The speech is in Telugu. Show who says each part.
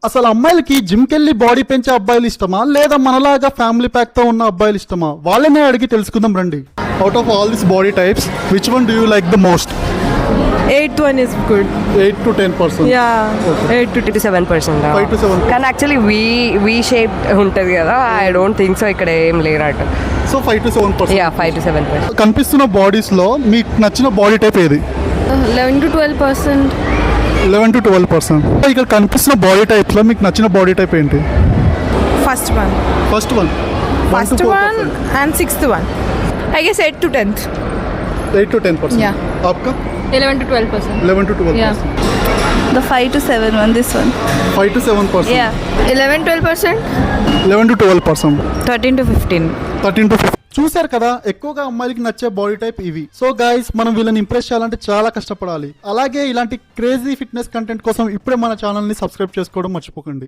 Speaker 1: అసలు అమ్మాయిలకి జిమ్ కెళ్ళి బాడీ పెంచే అబ్బాయిలు ఇష్టమా లేదా మనలాగా ఫ్యామిలీ ప్యాక్ తో ఉన్న అబ్బాయిలు ఇష్టమా? వాళ్ళనే అడిగి తెలుసుకుందాం రండి. Out of all this body types which one do you like the most?
Speaker 2: 8th one is good.
Speaker 1: 8 to 10%.
Speaker 2: Yeah,
Speaker 1: Okay.
Speaker 2: 8 to
Speaker 3: 7%.
Speaker 1: 5 to 7.
Speaker 3: కానీ యాక్చువల్లీ వీ షేప్ ఉంటుంది కదా, ఐ డోంట్ థింక్ సో ఇక్కడ ఏం లేరట.
Speaker 1: So 5 to 7%.
Speaker 3: Yeah 5 to 7%.
Speaker 1: కనిపిస్తున్న బాడీస్ లో మీకు నచ్చిన బాడీ టైప్ ఏది?
Speaker 2: 11 to 12%.
Speaker 1: 11 to 12%. ఇక్కడ కనిపిస్తున్న బాడీ టైప్ లో మీకు నచ్చిన బాడీ టైప్ ఏంటి?
Speaker 2: First one.
Speaker 1: First one.
Speaker 2: First one and 6th one. I guess 8 to 10th.
Speaker 1: 8 to 10%.
Speaker 2: Yeah.
Speaker 1: आपका
Speaker 2: 11 to 12%.
Speaker 1: 11 to 12%.
Speaker 2: Yeah.
Speaker 4: The 5 to 7 one, this one.
Speaker 1: 5 to 7%.
Speaker 4: Yeah.
Speaker 2: 11-12%.
Speaker 1: 11 to 12%.
Speaker 4: 13 to 15.
Speaker 1: 13 to 15. చూశారు కదా, ఎక్కువగా అమ్మాయిలకి నచ్చే బాడీ టైప్ ఇవి. సో గైస్, మనం వీళ్ళని ఇంప్రెస్ చేయాలంటే చాలా కష్టపడాలి. అలాగే ఇలాంటి క్రేజీ ఫిట్నెస్ కంటెంట్ కోసం ఇప్పుడే మన ఛానల్ ని సబ్స్క్రైబ్ చేసుకోవడం మర్చిపోకండి.